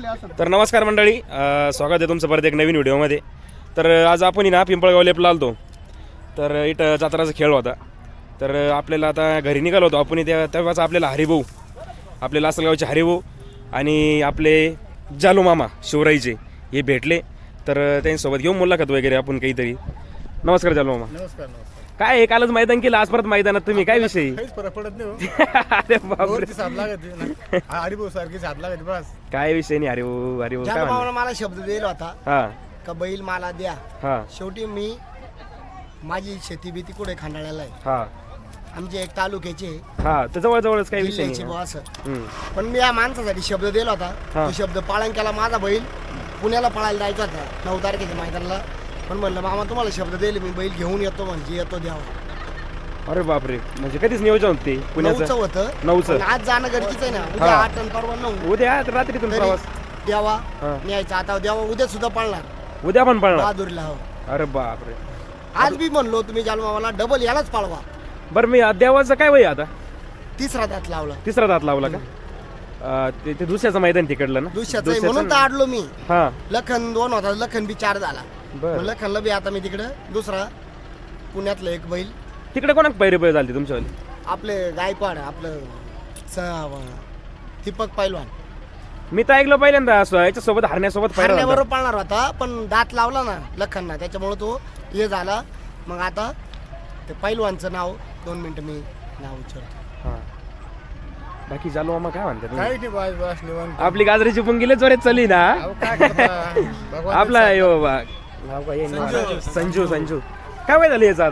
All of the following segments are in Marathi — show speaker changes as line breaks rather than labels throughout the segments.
तर नमस्कार मंडळी, स्वागत आहे तुमचं परत एक नवीन व्हिडिओमध्ये. तर आज आपण ना पिंपळगाव लेपला आलतो. तर इथं जत्राचा खेळ होता. तर आपल्याला आता घरी निघालो होतो आपण. तेव्हाच आपल्याला हरिभाऊ, आपले लासलगावचे हरिभाऊ आणि आपले जालू मामा शिवराईचे हे भेटले. तर त्यांच्यासोबत घेऊन मुलाखत वगैरे आपण काहीतरी. नमस्कार जालू मामा.
नमस्कार.
काय आहे, कालच मैदान केलं, आज परत मैदानात तुम्ही, काय विषय?
काहीच फरक पडत नाही हो.
अरे बापरे,
साथ लागत ना हरिभाऊ सारखी साथ लागत बस.
काय विषय नाही. हरिभाऊ हरिभाऊ काय
जालू
म्हणतो?
मामाला मला शब्द दिला होता
हा
का बैल मला द्या.
हा
शेवटी मी माझी शेती भीती कुठे खांडाळ्याला आहे.
हा
आमचे एक तालुक्याचे
हा तर जवळजवळच काही विषय
जिल्ह्याचे
नाही.
बुवा असं.
हम्म.
पण मी या माणसासाठी शब्द दिला होता.
हा.
तो शब्द पाळण केला. माझा बैल पुण्याला पळायला जायचा होता 9 तारखेच्या मैदानाला. पण म्हणलं मामा तुम्हाला शब्द दिले, मी बैल घेऊन येतो, म्हणजे येतो द्यावा.
अरे बापरे, म्हणजे कधीच नियोजन होते
9चं
पुण्याचं?
होतं.
9चं.
पण आज जाणं गरजेचं आहे ना. उद्या
हा.
8 आणि परवा 9.
उद्या रात्रीतून
तरी
प्रवास.
द्यावा
हा.
न्यायचा. आता द्यावा उद्या सुद्धा पळणार
उद्या पण पळणार?
बहादुरीला. हो.
अरे बापरे.
आज बी म्हणलो तुम्ही जालू मामाला डबल यालाच पाळवा.
बरं, मी देवाचं काय वय आता?
तिसरा दात लावला.
तिसरा दात लावला का? ते दुसऱ्याचं मैदान तिकडलं ना?
दुसऱ्याचं आहे म्हणून तर आडलो मी.
हा
लखन 2 होता, लखन बी 4 झाला.
बर.
मग लखनला बी आता मी तिकडं दुसरा पुण्यातलं एक बैल
तिकडे कोणाक पैरे झाली तुमच्यावाली?
आपले गायकवाड आपलं दीपक पैलवान
मी तर ऐकलं पहिल्यांदा असं याच्यासोबत हरण्यासोबत पैरा झाला.
बरोबर पाळणार होता. पण दात लावला ना लखनना, त्याच्यामुळे तो हे झाला. मग आता ते पैलवानचं नाव 2 मिनिटं मी नाव विचारतो.
हा. बाकी चालू मामा काय म्हणतात?
काही नाही बस बस निवांत.
आपली गाजरीची पुंगिले जोरात चालली ना.
अहो, काय करता? भगवान
आपला
देव
यो बा नाव काय आहे? संजू. काय वय झालं याचं आता?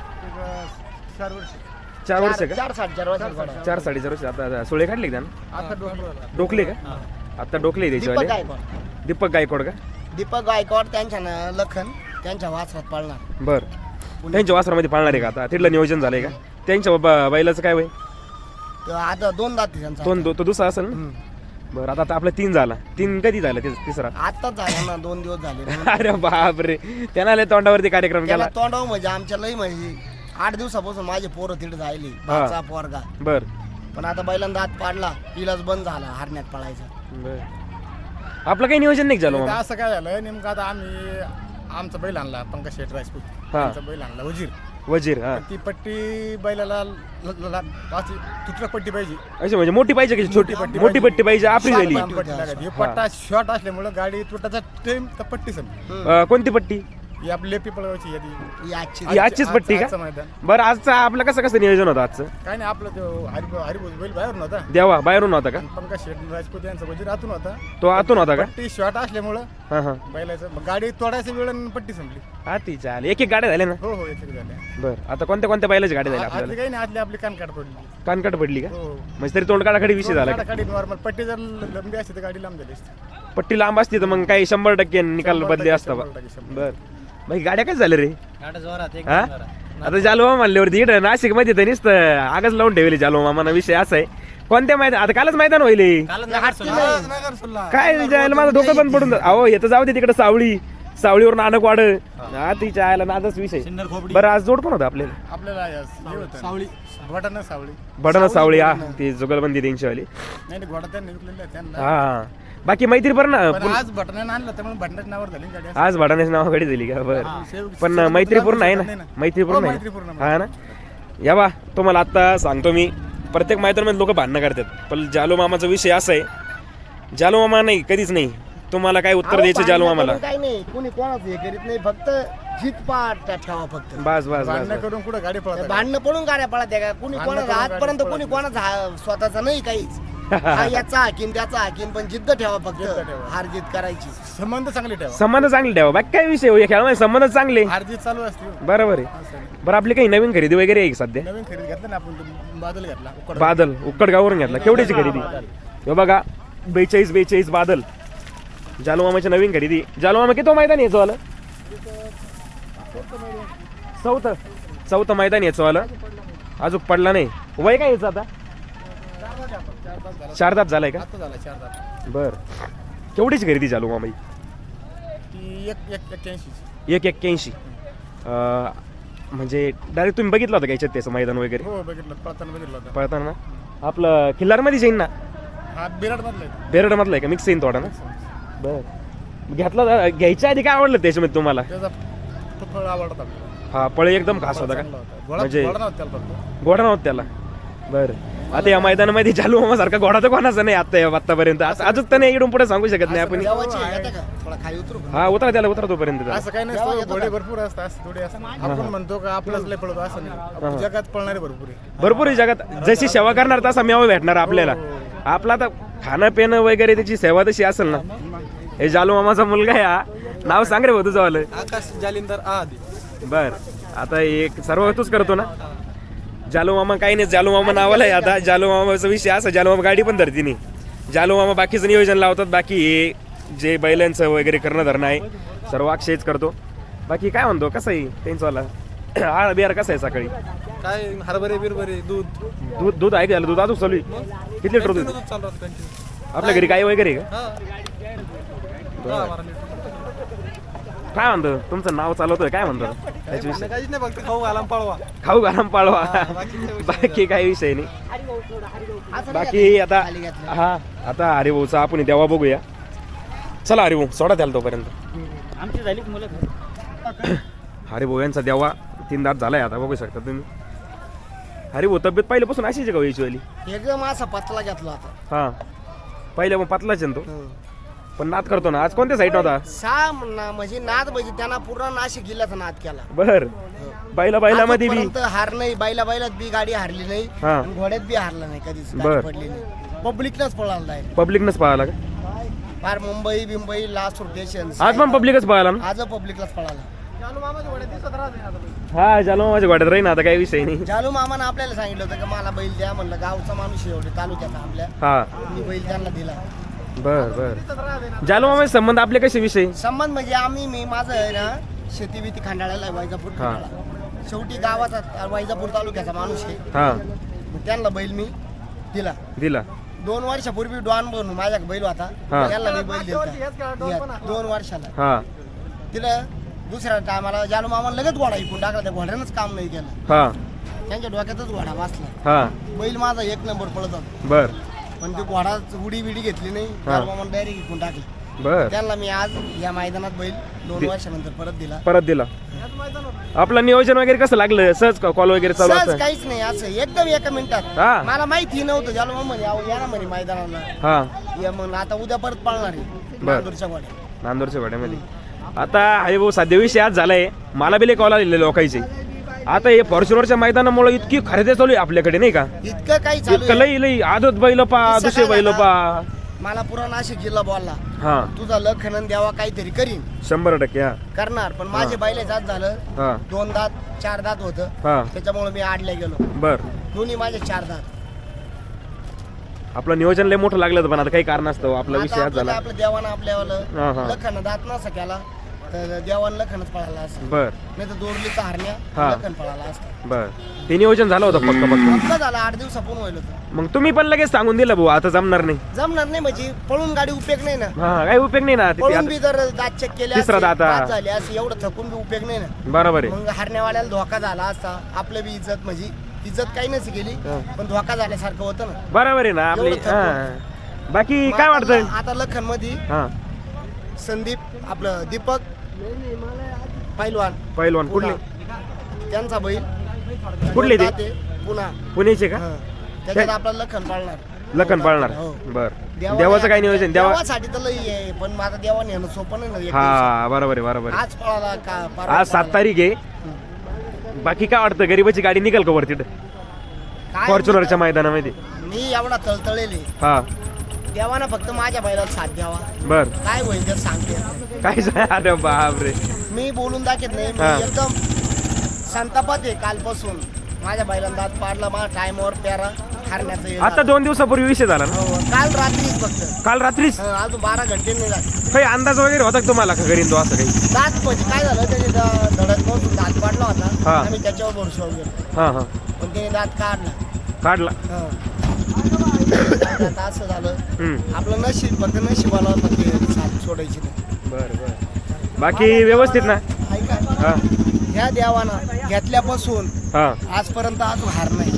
साथ. 4 वर्ष.
4 वर्ष का?
4.5 वर्ष
4 4.5 वर्ष. आता सोळे काढले का त्यानं?
आता डोंगराला.
डोकले का? आता डोकले
दीपक
त्याच्यावाले.
गायकवाड.
दीपक गायकवाड का?
दीपक गायकवाड त्यांच्या ना लखन त्यांच्या वासरात पाळणार.
बर. त्यांच्या वासरामध्ये पाळणार आहे का आता? तिथलं नियोजन झालंय का? त्यांच्या बैलाचं काय वय?
तर आता 2 दात आहे त्यांचा.
तो दुसरा असेल ना? बरं, आता आपला 3 झाला. 3 कधी झाला तिसरा?
आताच झाला ना, 2 दिवस झाले.
अरे बापरे, त्यानं लय तोंडावरती कार्यक्रम
त्याला
केला.
तोंडाव म्हणजे आमच्या लई म्हणजे 8 दिवसापासून माझे पोरं तिथे जायले.
हा.
भाचा पोरगा.
बर
पण आता बैलांना दात पाडला, इलाज बंद झाला हरण्यात पळायचा.
बर. आपलं काही नियोजन नाही झालं
आता
मामा?
असं काय झालं नेमकं, आता आम्ही आमचा बैल आणला पंकज शेठ राजपूत.
हा.
आमचा बैल आणला वजीर.
वजीर. हा.
ती पट्टी बैलाला अशी तुटक पट्टी पाहिजे.
अच्छा, म्हणजे मोठी पाहिजे की छोटी? मोठी पट्टी पाहिजे. आपली झाली.
पट्टी.
पट्टी लागायची. हे पट्टा शॉर्ट असल्यामुळे गाडी तुटाचा टाइम तर पट्टी समजा.
कोणती पट्टी?
ही आपली लेपी पळवायची यादी.
ही आजची
ही आजचीच पट्टी का?
आजचं मैदान.
बरं, आजचं आपलं कसं नियोजन होतं आजचं?
काय नाही, आपलं तो हरिभाऊ बैल बाहेर नव्हता.
देवा बाहेरून होता का?
पंकज शेठ राजपूत यांचा वजीर आतून होता.
तो आतून होता का?
पट्टी शॉर्ट असल्यामुळं
हा हा.
बैलाचं मग गाडी तोडायची वेळ आणि पट्टी संपली.
हा ती चाल. एक गाड्या झाल्या ना?
हो हो, एक झाल्या.
बरं, आता कोणत्या बैलाची गाडी झाली
आतली
आपल्याला?
काही नाही, आतली आपली कानकाट पडली.
कानकट पडली का?
हो.
म्हणजे तरी तोंडकाडाखाडी विषय झाला का?
गाडी नॉर्मल. पट्टी जर लंबी असते तर गाडी लांब झाली असते.
पट्टी लांब असती तर मग काही 100% निकाल
100%
बदले असता.
100%.
बर. बाकी गाड्या काय झाल्या रे? हा? आता जालू म्हणल्यावरती इकडे नाशिक मध्ये तर नुसतं आगच लावून ठेवले जालू मामाना. विषय असा आहे, कोणत्या मैदान? आता कालच मैदान होईल. काय जायला माझं डोकं पण पडून अहो येतं. जाऊ दे तिकडे सावळीवर नानक वाढ. हा तिच्या आयला नादच विषय. बरं, आज जोड कोण होतं आपल्याला?
आपल्याला सावळी घोडा सावळी.
भडना सावळी. हा, ती जुगलबंदी त्यांच्यावाली.
नाही नाही, घोडा त्यांनी विकलेला आहे त्यांना.
हा. बाकी मैत्री बरं ना?
पण आज भटण्यानं आणलं त्यामुळे भटण्याच्या नावावर झाली गाडी.
आज भडाण्याच्या नावाकडे दिली का? बरं. पण मैत्रीपूर्ण आहे ना? मैत्रीपूर्ण आहे
मैत्रीपूर्ण.
हा ना? या बा, तुम्हाला आता सांगतो मी, प्रत्येक मैत्रीमध्ये लोक भांडणं करतात. पण जालू मामाचा विषय असा आहे, जालू मामा नाही, कधीच नाही. तुम्हाला काय उत्तर द्यायचं जालू मामाला?
काही नाही, कुणी कोणाचं हे करीत नाही. फक्त जीत पाठ ठेवा फक्त.
बस बस
भांडणं
बस.
करून कुठं गाडी पळत
भांडणं पडून गाड्या पळत का? कुणी
भांडणं
कोणाचा
करून
आजपर्यंत
गाडी
कुणी
पळत
कोणाचा स्वतःचा नाही काहीच. हा याचा हाकीम त्याचा हाकीम, पण जिद्द ठेवा फक्त.
जिद्द ठेवा.
हार जीत करायची.
संबंध चांगले ठेवा.
संबंध चांगले ठेवा. बाकी काय विषय हो, या खेळामध्ये संबंध चांगले.
हारजीत चालू असते.
बरोबर आहे.
असं.
बरं, आपली काही नवीन खरेदी वगैरे आहे का सध्या?
नवीन खरेदी घेतला ना आपण, तो बादल घेतला. उकड.
बादल उक्कडगाववरून घेतला. केवढ्याची खरेदी? हे बघा, 42 बादल. जालू मामाची नवीन खरेदी. जालू मामा किती मैदान यायचं आलं? चौथं मैदान यायचं आलं. अजून पडला नाही. वय काय यायचं आता? 4 दात झालाय का?
आता झाला 4 दात.
बर. केवढीची खरेदी जालू मामा?
ती 81.
181. म्हणजे डायरेक्ट तुम्ही बघितलं होतं का याच्यात त्याचं मैदान वगैरे?
हो बघितलं, पळताना बघितलं होतं.
पळताना आपलं खिल्लारमध्ये जाईन ना?
हा बिराड मधला
बेरडमधला आहे का? मिक्स येईन थोडा ना. बरं घेतला घ्यायच्या आधी काय आवडलं त्याच्यामध्ये तुम्हाला?
त्याचा फळ आवडतात.
हा पळे एकदम खास होता का? म्हणजे
घोडा नव्हता त्याला फक्त.
घोडा नव्हता त्याला. बरं आता या मैदानामध्ये जालू मामा सारखा घोडा तर कोणाचा नाही आतापर्यंत. अजून तर नाही इकडून पुढे सांगू शकत नाही आपण.
देवाची आहे का? थोडा खाली उतरू का?
हा उतरा त्याला उतरा तोपर्यंत त्याला.
असं काही नाही, घोडे भरपूर असतात, असं थोडे असतात. आपण म्हणतो का आपलाच लय पळतो असं नाही, जगात पळणारे भरपूर आहे.
भरपूर आहे जगात. जशी सेवा करणार तसा मेवा भेटणार आपल्याला. आपला तर खाणं पिणं वगैरे त्याची सेवा तशी असेल ना. हे जालू मामाचा मुलगा आहे हा. नाव सांग रे भाऊ तुझं वालं.
आकाश जालिंदर आधी.
बर आता एक सर्व तूच करतो ना. जालू मामा काही नाही, जालू मामा नावाला आहे आता. जालू मामाचा विषय असा, जालू मामा गाडी पण धरती नाही. जालू मामा बाकीचं नियोजन लावतात. बाकी हे जे बैलांचं वगैरे करणं धरणं आहे सर्व अक्षयच करतो. बाकी काय म्हणतो कसं आहे त्यांचंवाला हा बिहार कसं आहे सकाळी?
काय हरभरे बिरभरे दूध
दूध दूध आहे का? दूध अजून चालू आहे? किती लिटर दूध
चालू राहतं कंटिन्यू.
आपल्या घरी गाय वगैरे आहे का? काय म्हणतो तुमचं नाव चालवतोय काय म्हणतो त्याच्याविषयी?
काहीच नाही, फक्त खाऊ घाला पळवा.
खाऊ गरम पाळवा. बाकी काही विषय नाही. बाकी आता हा आता हरिभाऊचा आपण देवा बघूया. चला हरिभाऊ सोडा द्याल तोपर्यंत.
आमची झाली मुलं.
हरिभाऊ यांचा देवा 3 दात झालाय आता बघू शकता तुम्ही. हरिभाऊ तब्येत पहिल्यापासून अशीच का व्हायची वाली?
एकदम असा पतला घेतला होता.
हा पहिल्या मग पातलाच आहे ना तो. पण नाद करतो ना. आज कोणत्या साईड होता?
म्हणजे नाद म्हणजे त्यांना पूर्ण नाशिक जिल्ह्याचा नाद केला.
बर बैलामध्ये बी
आजपर्यंत हार नाही. बैलात बी गाडी हारली नाही.
हा.
आणि घोड्यात बी हारला नाही कधीच.
बर.
गाडी पडली नाही. पब्लिकलाच पळाला आहे.
पब्लिकनच पाहायला का?
फार मुंबई बिंबई लास्ट स्टेशन
आज पण पब्लिकच पाहायला ना.
आज पब्लिकलाच पळाला.
हा जालो माझ्या गाड्यात राहीन आता काही विषय नाही.
जालू मामानं आपल्याला सांगितलं होतं की मला बैल द्या. म्हणलं गावचा माणूस आहे एवढे तालुक्याचा आपल्या.
हा
मी बैल त्यांना दिला.
बर बर जालो मामा संबंध आपले कसे विषय?
संबंध म्हणजे मी माझं आहे ना शेती बिती खांडाळ्याला आहे, वैजापूर
हा.
खंडाळा. शेवटी गावाचा वैजापूर तालुक्याचा माणूस आहे.
हा
मग त्यांना बैल मी दिला.
दिला
2 वर्षापूर्वी डॉन बनून माझ्या बैल होता.
हा.
त्याला मी बैल दिला 2 वर्षाला.
हा
तिला दुसऱ्या टायमाला जालू मामा लगेच घोडा इकून टाकला. त्या घोड्यानंच काम नाही केलं.
हा
त्यांच्या डोक्यातच घोडा बसला.
हा
बैल माझा 1 नंबर पळत होता.
बर
पण ते घोडा उडी बिडी घेतली नाही.
हा.
जालू मामा डायरेक्ट इकून टाकला.
बर
त्यांना मी आज या मैदानात बैल 2 वर्षानंतर परत दिला.
आपलं नियोजन वगैरे कसं लागलं? सहज कॉल वगैरे चालू
सहज
असतं?
काहीच नाही, असं एकदम 1 मिनिटात.
हा.
मला माहिती नव्हतं. जालू मामा म्हणे "अहो, या ना म्हणे मैदानाला
हा
या." मग आता उद्या परत पळणार आहे
बर.
नांदूरच्या घोड्या.
नांदूरच्या वाड्यामध्ये. आता हरिभाऊ सध्या विषय आज झालाय. मला बी कॉल आलेले लोकांचे. आता हे फॉर्च्युनरच्या मैदानामुळे इतकी खरेदी चालू आहे आपल्याकडे नाही का?
इतकं काही चालू
इतकं
आहे.
लई आदत बैल पा
किस्सा
दुसरे
काय
बैल
झाला?
पा.
मला पुरा नाशिक जिल्हा बोलला
हा
तुझा लखनन द्यावा काहीतरी करीन
100% हा
करणार. पण माझे बैले जात झालं
हा
2 दात 4 दात होतं.
हा
त्याच्यामुळे मी आडल्या गेलो.
बर
दोन्ही माझे 4 दात.
आपलं नियोजन लय मोठं लागलं होतं, पण आता काही कारण असतं आपला
आता
विषय आज
आपल्याला
झाला.
आपलं देवानं
हा,
आपल्यावालं
हा.
लखन दात नसा केला तर देवानं लखनच पळाला असं.
बर
नाही तर दोरलीचा हरण्या
हा.
लखन पळाला असतं.
बर ते नियोजन झालं होतं फक्त
पक्का झाला 8 दिवसापून होईल होतं.
मग तुम्ही पण लगेच सांगून दिलं भाऊ आता जमणार नाही.
जमणार नाही म्हणजे पळून गाडी उपयोग नाही ना.
हा काही उपयोग नाही ना.
पळून बी जर दात चेक केले
तिसरा
असते,
दात, हा.
बाद झाले असते, एवढं थकून बी उपयोग नाही ना.
बरोबर आहे.
मग हरण्यावाल्याला धोका झाला असता. आपलं बी इज्जत म्हणजे इज्जत काही नसती गेली
हा.
पण धोका झाल्यासारखं होतं ना.
बरोबर आहे ना आपली.
एवढं थकून.
हा बाकी
मग
काय
आता-
वाटतं?
आता लखन मध्ये
हा
संदीप आपलं दीपक पैलवान
पहिलवान कुठले?
पुणा. त्यांचा बैल
कुठले ते?
जाते, पुणा.
पुण्याचे का?
हा. त्याच्यात आपला लखन पाळणार.
लखन पाळणार.
हो.
बर
देवाने-
देवाचं काय नियोजन? देवा
देवासाठी तर लई आहे पण माझा देवाने येणं सोपं नाही ना एक दिवसात.
हा बरोबर आहे बरोबर आहे.
आज पळाला का परवा
आज 7
पळाला.
तारीख आहे. बाकी काय वाटतं गरीबाची गाडी निघाल का वरती
काय
फॉर्च्युनरच्या मैदानामध्ये?
मी एवढा तळतळेले
हा
देवाना फक्त माझ्या बैलाला साथ द्यावा.
बर
काय होईल ते सांगते येत नाही.
काय सांग- अरे बापरे.
मी बोलून दाखवत नाही.
हा.
मी एकदम संतापात आहे कालपासून. माझ्या बैलांना दात पाडला. माझ्या टाइमवर प्यारा हारण्याचं हे
आता
झालं.
2 दिवसापूर्वी विषय झाला ना.
हो, काल रात्रीच फक्त.
काल रात्रीच
अजून 12 घंटे नाही झाले.
काही अंदाज वगैरे होता का तुम्हाला का घरी तो असं काही?
दात म्हणजे काय झालं त्याने धडक पासून दात पाडला होता.
हा.
आम्ही त्याच्यावर भरशावर गेलो
हा हा
पण त्याने दात काढला.
काढला.
हा. आता असं झालं
हम्म.
आपलं नशीब फक्त नशिबाला फक्त साथ सोडायची नाही.
बर बर बाकी व्यवस्थित ना?
ऐका
हा
ह्या देवाना घेतल्यापासून
हा
आजपर्यंत अजून हार नाही.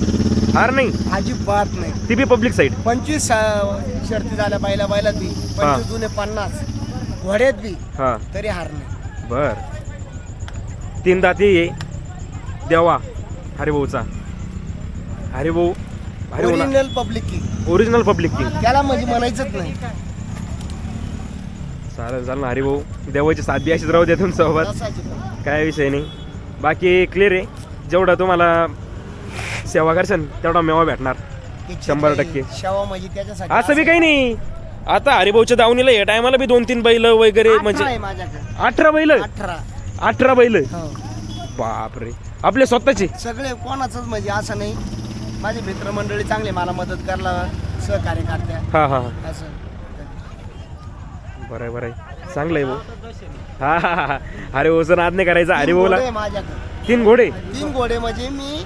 हार नाही
अजिबात नाही.
ती बी पब्लिक साईड
25 शर्ती झाल्या बैलात बी 25 जुने 50 घोड्यात बी
हा
तरी हार नाही.
बर 3 दाती ये देवा हरिभाऊचा हरिभाऊ हरिभाऊ
ओरिजिनल पब्लिक की
ओरिजिनल पब्लिक किंग
त्याला म्हणजे म्हणायचंच नाही.
चालेल चालेल ना हरिभाऊ देवाची साथ बी अशीच राहू द्या तुमच्यासोबत
तसाच आहे.
काय विषय नाही बाकी क्लिअर आहे जेवढा तुम्हाला सेवा करशाल तेवढा मेवा भेटणार 100%.
शेवा म्हणजे त्याच्यासाठी
असं बी काही नाही आता हरिभाऊच्या दावणीला या टायमाला बी 2-3 बैल वगैरे
18
म्हणजे
आहे माझ्याकडे
18 बैल 18 बैल
हो.
बापरे आपले स्वतःचे
सगळे कोणाचंच म्हणजे असं नाही. माझे मित्रमंडळी चांगले मला मदत करायला सहकार्य करत्या
हा हा
असं.
बरं आहे बरं आहे चांगलं आहे भाऊ हा हा हा हरिभाऊचं नाद नाही करायचा हरिभाऊला
घोडे माझ्याकडे
3 घोडे
3 घोडे म्हणजे मी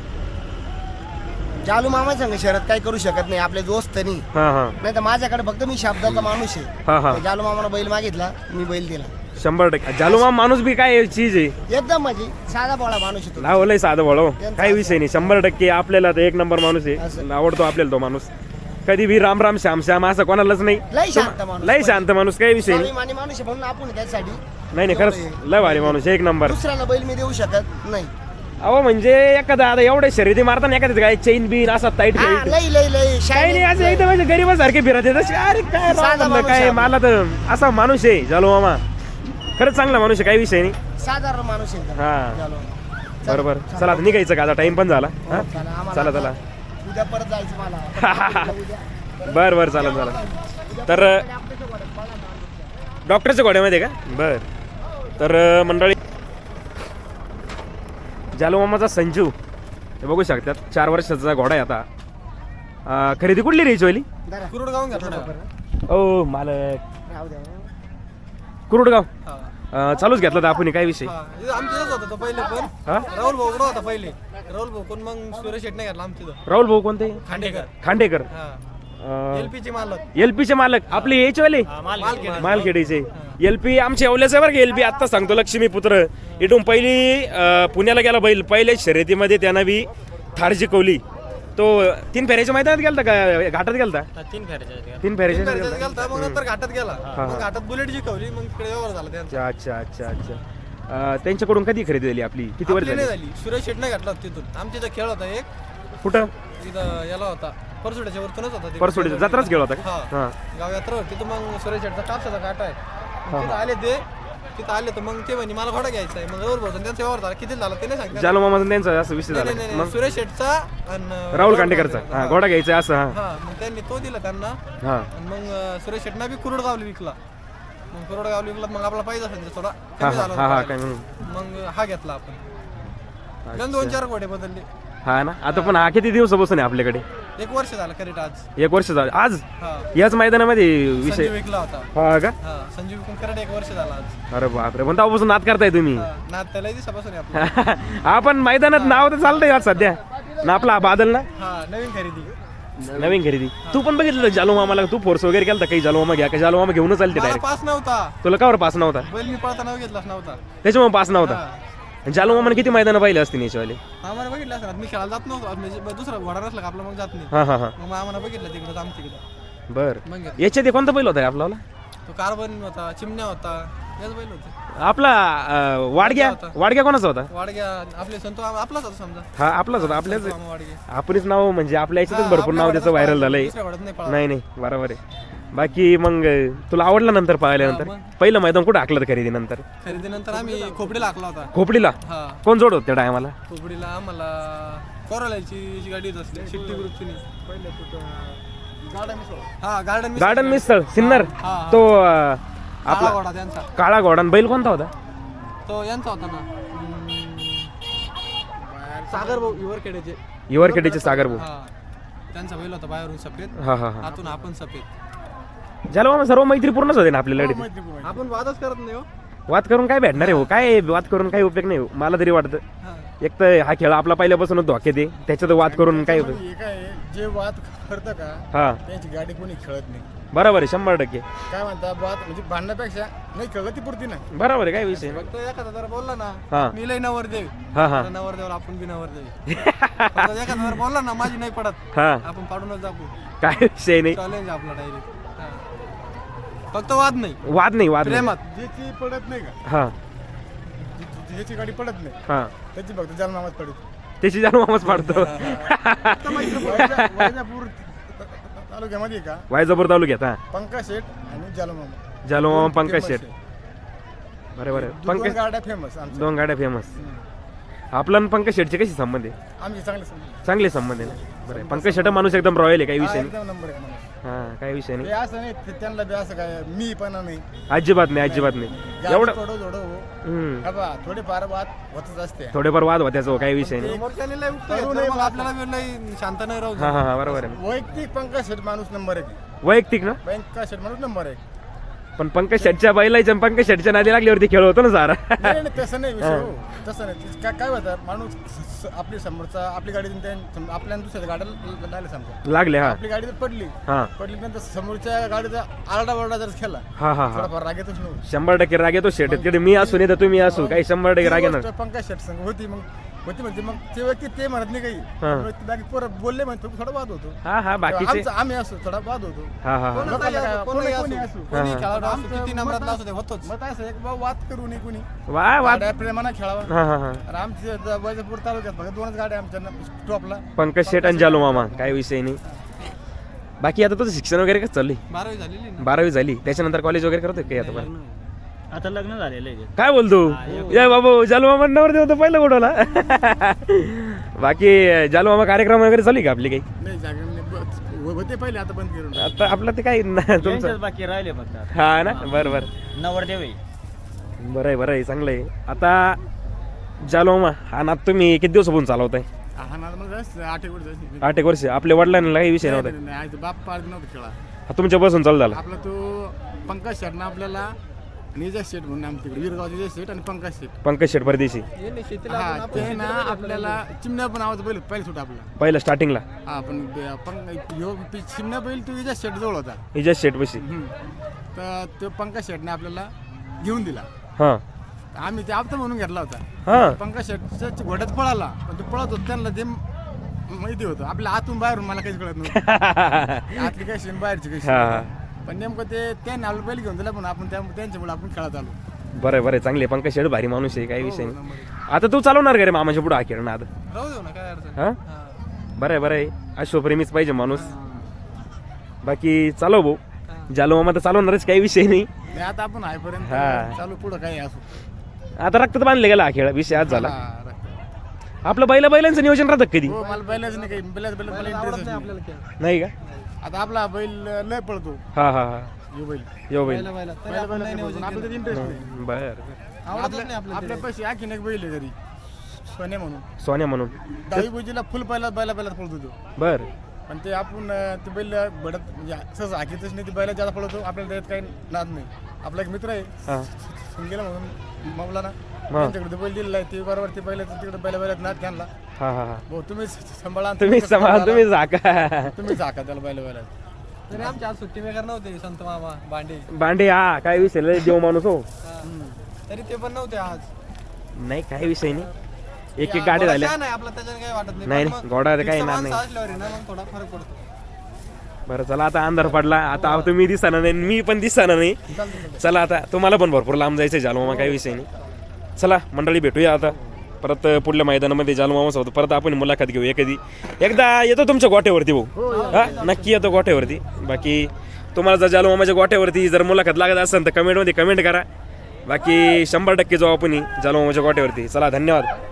जालू मामा संग शरद काही करू शकत नाही आपले दोस्त नाही.
हा हा
नाही तर माझ्याकडे फक्त मी शब्दाचा माणूस
हा हा
आहे. जालू मामाला बैल मागितला मी बैल दिला
100% जालूमा माणूस बी काय चीज आहे
एकदम म्हणजे साधा बोळा माणूस आहे तो.
लावलंय साधं वळव काही विषय नाही 100% आपल्याला तर 1 नंबर माणूस आहे
असं.
आवडतो आपल्याला तो माणूस कधी बी राम राम श्याम श्याम असं कोणालाच नाही
लय शांत माणूस
लय शांत माणूस काही विषय नाही
स्वाभिमानी माणूस आहे म्हणून आपण त्यासाठी
नाही नाही खरंच लय भारी माणूस 1 नंबर
दुसऱ्याला बैल मी देऊ शकत नाही.
अहो म्हणजे एखादा आता एवढे शर्यती मारताना एखाद्या काय चेन बिन असा टाईट
हा,
काही
लय लय लय
नाही असं एकदम म्हणजे गरीबासारखे फिरत येत असे, अरे काय राव
साधा
म्हणलं,
माणूस
काय
आहे.
मला तर असा माणूस आहे जालो मामा खरंच चांगला माणूस आहे काही विषय नाही
साधारण माणूस आहे एकदम.
हा
जालू.
बरोबर चला आता निघायचं का आता टाइम पण झाला हा?
चला, आम्हाला
चला चला
आता उद्या परत जायचं मला उद्या.
बर बर चालेल चला तर डॉक्टरच्या घोड्यामध्ये का बर तर मंडळी जालू मामाचा संजू हे बघू शकतात 4 वर्षाचा घोडा आहे आता खरेदी कुठली रे हिचवाली
जरा.
कुरुडगावून घेतला
ओ मालक
राहू द्या.
कुरुडगाव चालूच घेतला तर आपण काय विषय
आमच्याच होता तो पहिले पण
हा
राहुल भाऊ होता पहिले राहुल भाऊ कोण मग सुरेश शेट नाही घेतला आमच्या
राहुल भाऊ कोणते
खांडेकर
खांडेकर
एलपीची मालक
एलपीचे मालक आपले यायचेवाले मालखेडीचे एलपी आमच्या येवल्याचे बरं का एलपी आत्ता सांगतो लक्ष्मी पुत्र इथून पहिली पुण्याला गेला बैल पहिल्या शर्यतीमध्ये त्यानं बी थार जिकवली तो 3 फेऱ्याच्या मैदानात गेलता का घाटात गेलता
3 फेऱ्याच्या
3 फेऱ्याच्या
गेलता मग नंतर घाटात गेला मग घाटात बुलेट जिंकवली मग इकडे व्यवहार झाला त्यांचा
अच्छा अच्छा अच्छा अच्छा त्यांच्याकडून कधी खरेदी झाली आपली किती वर्ष
आपली नाही
झाली
झाली सुरेश शेट नाही घातला तिथून आमच्या इथं खेळ होता एक
कुठं
तिथं याला होता परसोड्याच्या वरतूनच होता ते.
परसोडी जत्राच गेला होता का
हा.
हा
गाव यात्रा होती तिथं मग सुरेश शेटचा कापसाचा काटा आहे मग तिथं आले ते तिथं आले तर मग ते म्हणे मला घोडा घ्यायचा आहे मग राहुल भाऊ त्यांचा व्यवहार झाला किती झाला ते नाही सांगता
जालो मामाचा त्यांचा असं विषय
नाही,
झाला
नाही,
मग
नाही. सुरेश शेटचा आणि
राहुल खांडेकरचा हा घोडा घ्यायचा आहे असं हा
हा मग त्यांनी तो दिला त्यांना
हा
आणि मग सुरेश शेटना बी कुरुडगावला विकला मग कुरुडगावला विकला मग आपला पाहिजे असेल थोडा
हा
कमी
हा
झाला
हा हा
होता
काय
मग हा घेतला आपण त्यानं 2-4 घोडे बदलले
हा ना आता पण हा किती दिवसापासून आहे आपल्याकडे
1 वर्ष झालं करेक्ट आज
1 वर्ष झालं आज
हा
याच मैदानामध्ये विषय
संजीव विकला होता
हा का
हा संजीव विकून करेक्ट 1 वर्ष झाला आज
अरे बापरे पण तेव्हापासून नाद करताय तुम्ही
हा, नाद त्याला दिवसापासून आहे आपलं
आपण मैदानात नाव तर चालतंय आज सध्या ना आपला हा बादल ना
हा नवीन खरेदी
नवीन खरेदी तू पण बघितलं जालो मामाला तू फोर्स वगैरे केलता काही जालो मामा घ्या का जालो मामा घेऊनच चालते
मला
डायरेक्ट
पास नव्हता
तुला कावर पास नव्हता
बैल मी पळताना घेतलाच नव्हता
त्याच्यामुळे पास नव्हता
हा.
जालो मामाने किती मैदानं पाहिले असते याच्यावाले
आम्हाला बघितलं असं मी खेळायला जात नव्हतो म्हणजे दुसरा घोडा नसला का आपला मग जात नाही
हा हा हा
मग आम्हाला बघितलं तिकडं आमच्या तिकडं
बर
मग घेतलं.
याच्यात हे कोणता बैल होता रे आपल्याला
तो कार्बन होता चिमण्या होता याच बैल होते
आपला वाडग्या
होता.
वाडग्या कोणाचा होता
वाडग्या आपले संतो आपलाच होता समजा
हा आपलाच होता आपल्याच
मामा वाडगे
आपणच नाव म्हणजे आपल्या याच्यातच
हा,
भरपूर
आपल्या
नाव त्याचं
घोड्यात
व्हायरल झालंय
दुसऱ्या घोड्यात नाही पळाला.
नाही नाही बरोबर आहे बाकी मग तुला आवडला नंतर पाहिल्यानंतर
हा, मग.
पहिलं मैदान कुठं टाकलं खरेदी नंतर
खरेदीनंतर आम्ही खोपडीला हाकला होता
खोपडीला
हा
कोण जोड होत त्या टायमाला
खोपडीला आम्हाला कोरालाची गाडी येत असली शिट्टी ग्रुपची हा गार्डन
गार्डन मिसळ सिन्नर
हा.
तो
आपला
आपला
घोडा त्यांचा
काळा घोडा आणि बैल कोणता होता
तो यांचा होता ना सागर भाऊ युवरखेड्याचे
युवरखेडीचे सागर भाऊ
हा त्यांचा बैल होता बाहेरून सफेद
हा हा हा
आतून आपण सफेद
ज्याला मामा सर्व मैत्रीपूर्णच होते ना आपल्याला
आपण वादच करत नाही हो
वाद करून काय भेटणार आहे हो काय वाद करून काही उपयोग नाही हो मला तरी वाटतं
हा.
एक तर हा खेळ आपला पहिल्यापासूनच धोक्यात आहे त्याच्यात वाद करून काय उपयोग
हे काय आहे,
जे वाद करतं का
हा
त्यांची गाडी कोणी खेळत नाही.
बरोबर आहे 100%.
काय म्हणता वाद म्हणजे भांडण्यापेक्षा नाही खेळलं ती पुरती नाही.
बरोबर आहे, काय विषय नाही.
फक्त एखादा जर बोलला
हा.
ना मी लय नवरदेव
हा हा
आता नवरदेवाला आपण बी नवरदेव फक्त एखादा जर बोलला ना माझी नाही पडत
हा
आपण पाडूनच दाखवू.
काय विषय नाही.
चॅलेंज आपला डायरेक्ट. फक्त वाद नाही
वाद नाही, वाद नाही.
प्रेमात.
ज्याची पडत नाही का
हा
ज्याची गाडी पडत नाही
हा
त्याची फक्त जालनामाच पडत.
त्याची जाणून मामाच पाडतो.
वैजापूर तालुक्यामध्ये का
वायजापूर तालुक्यात हा
पंकज शेठ आणि जालमामा
जालो मामा पंकज
famous
शेठ.
आहे.
बरोबर आहे.
दोन
पंकज
गाड्या फेमस आमच्या.
2 गाड्या फेमस. आपला आणि पंकज शेठचे कशी संबंध आहे?
आमची चांगले समजून.
चांगले संबंध आहे ना. बरं आहे. पंकज शेठ माणूस एकदम रॉयल आहे, काही विषय नाही.
एकदम नंबर एक माणूस.
हा काय विषय
ते
नाही.
असं नाही त्यांना बी असं काय मी पण नाही
अजिबात नाही, अजिबात नाही. एवढं
थोडं थोडं हो
हम्म.
का बा थोडेफार वाद होतच असते.
थोडेफार वाद होत्याचं हो, काही विषय नाही.
समोरच्याने लय उकळी घेतलं, मग आपल्याला बी लय शांत नाही राहू
हा हा हा बरोबर आहे.
वैयक्तिक पंकज शेठ माणूस नंबर एक.
वैयक्तिक ना.
पंकज शेठ माणूस नंबर एक.
पण पंकज शेठच्या बैलाच्या आणि पंकज शेठच्या नादी लागल्यावरती खेळ होतो ना सारा.
नाही नाही, तसं नाही विषय हो. तसं नाही काय होतं माणूस आपली समोरचा आपली गाडी आपल्या दुसऱ्या गाड्याला लागले समजा
लागले हा
आपली गाडी जर पडली
हा
नंतर समोरच्या गाडीचा आरडाओरडा जर खेळला
हा हा हा
थोडाफार राग येतोच नव्हतं.
100% राग येतो शेठ. तिकडे मी असू नाही तर तुम्ही असू, काही 100% राग येणार.
पंकज शेठ संग होती म्हणजे मग ते व्यक्ती ते म्हणत नाही काही बाकी पोरं बोलले म्हणतो थोडा वाद होतो.
हा हा बाकीचे
आमचं आम्ही असो थोडा वाद होतो.
हा हा हा
लोकांना काय, कोणी असो.
कोणी
हा.
खेळाडू असो,
आमचं
किती नंबरातला असो ते होतोच.
मग असं एक बा वाद करू नये कुणी
वा वाद.
गाड्या प्रेमानं खेळावा.
हा हा हा
आणि आमच्या वैजापूर तालुक्यात फक्त 2च गाड्या आमच्या स्टॉपला.
पंकज शेठ आणि जालो मामा, काय विषय नाही. बाकी आता तुझं शिक्षण वगैरे कसं चाललंय?
12वी झालेली ना.
12वी झाली, त्याच्यानंतर कॉलेज वगैरे करतोय काही आता? बरं
आता लग्न झालेलं आहे.
काय बोलतो या बाबू जालो मामा नवर देतो पहिला गोडवला. बाकी जालो मामा कार्यक्रम वगैरे चालू आहे का आपली काही?
नाही जागा होते पहिले आता बंद करून.
आता आपलं ते काही तुमचं
त्यांच्याच बाकी राहिले फक्त आता.
हा ना. बरं बरं
नवरदेव आहे.
बरं आहे चांगलं आहे. आता जालो मामा हा नात तुम्ही किती दिवसापासून चालवताय?
हा ना मग 8 एक वर्ष झाली.
8 एक वर्ष. आपल्या वडिलांना काही विषय नव्हता?
नाही, आईचं बाप पाळत नव्हतं खेळा.
हा तुमच्यापासून चालू झाला?
आपला तो पंकज शेटनं आपल्याला निजा शेट म्हणून आमच्याकडे वीरगाव निजा शेट आणि पंकज शेट.
पंकज शेठ परदेशी.
यांनी शेतीला
हा
आपण-
ते ना आपल्याला चिमण्या पण आवाज पहिले सुट आपला.
पहिलं स्टार्टिंगला
हा पण चिमण्या बैल तो निजा शेट जवळ होता.
इजाज शेठ पशी.
तर तो पंकज शेटने आपल्याला घेऊन दिला.
हा
आम्ही ते आपता म्हणून घेतला होता.
हा
पंकज शेटच्या घोड्यात पळाला पण तो पळत होता त्यांना ते माहिती होतं आपल्या आतून बाहेरून मला काहीच कळत नव्हतं. आतली काय शेण बाहेरची काही
हा हा
शेण. पण नेमकं ते त्यांनी आपलं बैल घेऊन दिला पण आपण त्यांच्यामुळे आपण खेळत आलो.
बरं चांगले. पंकज शेठ भारी माणूस आहे, काही विषय नाही. आता तू चालवणार का रे मामाच्या पुढे हा खेळ ना आता?
राहू देऊ ना, काय अडचण
हा
हा.
बरं आहे अश्वप्रेमीच पाहिजे माणूस. बाकी चालव भाऊ. जालो मामा तर चालवणारच, काही विषय नाही.
नाही, आता आपण आहेपर्यंत
हा.
चालू पुढं काही असो.
आता रक्तात बांधले गेला हा खेळ, विषय आज झाला.
हा, रक्त.
आपलं बैलांचं नियोजन राहतं का कधी?
हो मला बैलाच नाही काही बैलाच मला
आवडत
इंटरेस्ट
नाही
नाही.
आपल्याला खेळ.
नाही का?
आता आपला बैल लय पळतो
हा हा हा
यो बैल.
यो बैल.
बैला तरी
बैल
आपण नाही
बैल
नियोजन
आपलं
केलं.
इंटरेस्ट नाही.
बर
आवडतच नाही आपल्याला
आपल्या
ते.
पैसे आणखीन एक बैल आहे घरी सोन्या म्हणून.
सोन्या म्हणून.
दहावी बुजीला फुल बैलात पळतो तो.
बर
पण ते आपण ते बैल बडत म्हणजे सहज हाकीतच नाही. ते बैला ज्यादा पळतो आपल्याला त्यात काही नाद नाही. आपला एक मित्र आहे
हा
संगीला म्हणून मौलाना त्यांच्याकडे बैल दिलेला आहे. ते बरोबर ते बैलाचं तिकडे बैलात नाद घालला.
हा हा हा
भाऊ तुम्ही सांभाळा आणि
तुम्ही
सांभाळा.
तुम्ही झाका.
तुम्ही झाका त्याला बैलात.
तरी आमच्या आज सुट्टी मेकर नव्हते संत मामा भांडे.
भांडे हा काय विषय लय देव माणूस हो.
हा. तरी ते पण नव्हते आज.
नाही काही विषय नाही. एक गाड्या झाल्या.
नाही आपला त्याच्याने काही वाटत नाही.
नाही,
पण
नाही,
मग
घोडा तर काही
fixed
येणार
माणसं
नाही.
असल्यावर आहे ना मग थोडा फरक पडतो.
बरं चला आता अंधार पडला. आता तुम्ही दिसणार नाही, मी पण दिसणार नाही. चला आता तुम्हाला पण भरपूर लांब जायचं जालो मामा, काही विषय नाही. चला मंडळी भेटूया आता परत पुढल्या मैदानामध्ये जालो मामा सोबत परत आपण मुलाखत घेऊया कधी. एकदा येतो तुमच्या गोठ्यावरती भाऊ. हा नक्की येतो गोठ्यावरती. बाकी तुम्हाला जर जालो मामाच्या गोठ्यावरती जर मुलाखत लागत असेल तर कमेंटमध्ये कमेंट करा. बाकी 100% जाऊ आपण जालो मामाच्या गोठ्यावरती. चला धन्यवाद.